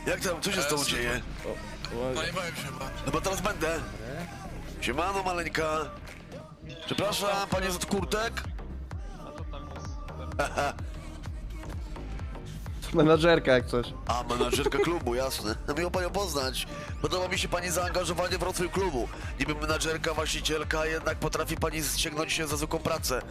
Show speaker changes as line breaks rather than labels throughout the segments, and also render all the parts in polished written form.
Jak tam, co się z tobą dzieje?
Zajebałem się chyba.
No bo teraz będę. Siemano, maleńka. Przepraszam, panie z kurtek?
Menadżerka jak coś.
A, menadżerka klubu, jasne. No miło panią poznać. Podoba mi się pani zaangażowanie w rozwój klubu. Niby menadżerka, właścicielka, jednak potrafi pani sięgnąć się za zwykłą pracę.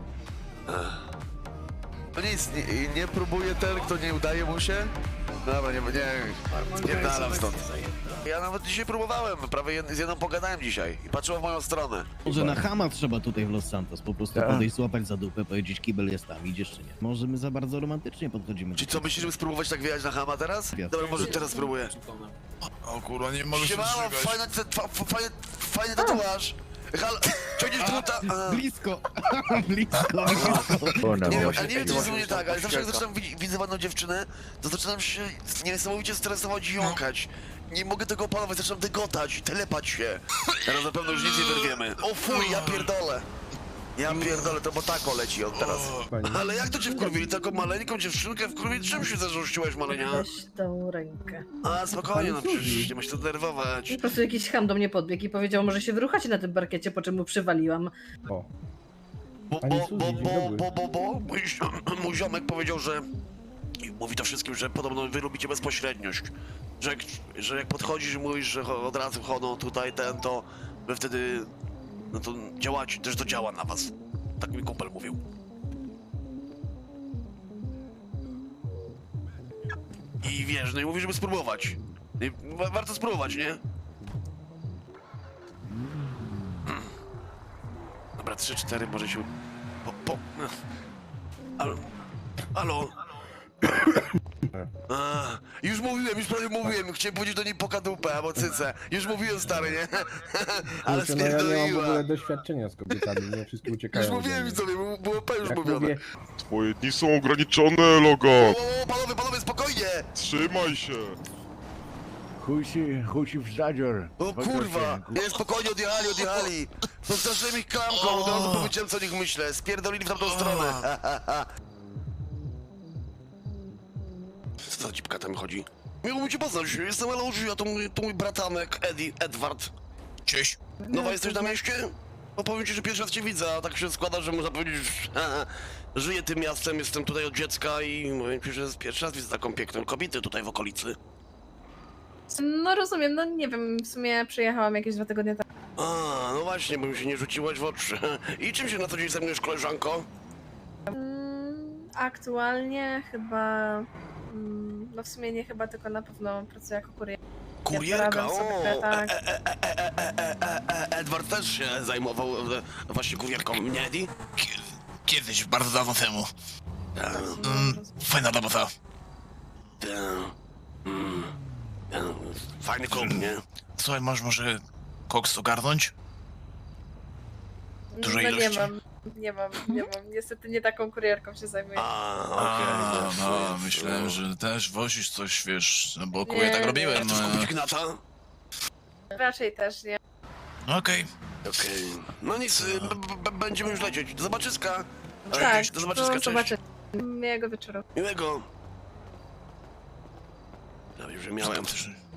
No nic, nie próbuje ten, kto nie udaje mu się? Dobra, nie dalam stąd. Ja nawet dzisiaj próbowałem, prawie z jedną pogadałem dzisiaj i patrzyła w moją stronę.
Może na chama trzeba tutaj w Los Santos, po prostu podejść, złapać za dupę, powiedzieć kibel jest tam, idziesz czy nie. Może my za bardzo romantycznie podchodzimy.
Czy co, myślisz, żeby spróbować tak wyjechać na Hama teraz? Dobra, może teraz spróbuję.
O kurwa, nie mogę się
Siemano,
doczekać.
fajny tatuaż. Halo, ciągniesz druta.
Blisko, blisko.
Nie wiem, ale nie wiem, co jest u mnie tak, ale zawsze jak zaczynam widzę ładną dziewczynę, to zaczynam się niesamowicie stresować i jąkać. Nie mogę tego opanować, zaczynam dygotać, telepać się. Teraz na pewno już nic nie wyrwiemy. O fuj, ja pierdolę. Ja pierdolę, to bo tako leci on teraz. Ale jak to cię wkurwili? Taką maleńką dziewczynkę wkurwili? Czym się zarzuciłeś, malenia?
Weź tą rękę.
A, spokojnie, no przecież nie ma się to denerwować.
Po prostu jakiś ham do mnie podbiegł i powiedział, może się wyruchacie na tym parkiecie, po czym mu przywaliłam.
O.
Mój ziomek powiedział, że i mówi to wszystkim, że podobno wy lubicie bezpośredniość. Że jak podchodzisz i mówisz, że od razu chodzą tutaj to wy wtedy, no to działacie, też to działa na was. Tak mi kumpel mówił. I wiesz, no i mówi, żeby spróbować. I warto spróbować, nie? Dobra, 3-4 może się... Halo? Już mówiłem, już prawie mówiłem. Chciałem powiedzieć do niej pokadupę albo cycę. Już mówiłem, stary, nie? Ale
Kurczę, no ja nie mam w ogóle
spierdoliła.
doświadczenia z kobietami, nie wszystkie uciekają.
Już mówiłem
ode mnie.
widzowie, było już
Jak
mówione.
mówię,
Twoje dni są ograniczone, Logo!
Panowie, spokojnie!
Trzymaj się!
Chuj ci w zadzior.
O kurwa! Nie, spokojnie, odjechali! Postraszyłem ich klamką, od razu powiedziałem, co o nich myślę. Spierdolili w tamtą stronę. Co za dzipka tam chodzi? Miło mi cię poznać, jestem Eloży, a to mój bratanek, Edward.
Cześć.
Nowa jesteś na mieście? No powiem ci, że pierwszy raz cię widzę, a tak się składa, że można powiedzieć, że żyję tym miastem, jestem tutaj od dziecka i mówię ci, że pierwszy raz widzę taką piękną kobietę tutaj w okolicy.
No rozumiem, no nie wiem, w sumie przyjechałam jakieś 2 tygodnie temu.
A, no właśnie, bo mi się nie rzuciłaś w oczy. I czym się na co dzień zajmujesz, koleżanko?
Aktualnie chyba... No w sumie nie chyba, tylko na pewno pracuję jako kurier.
Kurierka,
porabiam sobie, tak.
Edward też się zajmował właśnie kurierką, nie Eddie?
Kiedyś, bardzo dawno temu. Fajna robota.
Fajny klub, nie?
Słuchaj, masz może koks ogarnąć? Dużej
No
ilości?
nie mam. Niestety nie taką kurierką się zajmuję.
A,
No, myślałem, że też wozisz coś, wiesz, no bo kuję
Nie,
tak
nie.
robiłem.
Chcesz kupić gnata?
Raczej też nie.
Okej.
Okej. No nic, będziemy już lecieć. Do zobaczyska.
Tak,
Do zobaczyska, cześć.
zobaczę. Miłego wieczoru.
Miłego. Ja już miałem.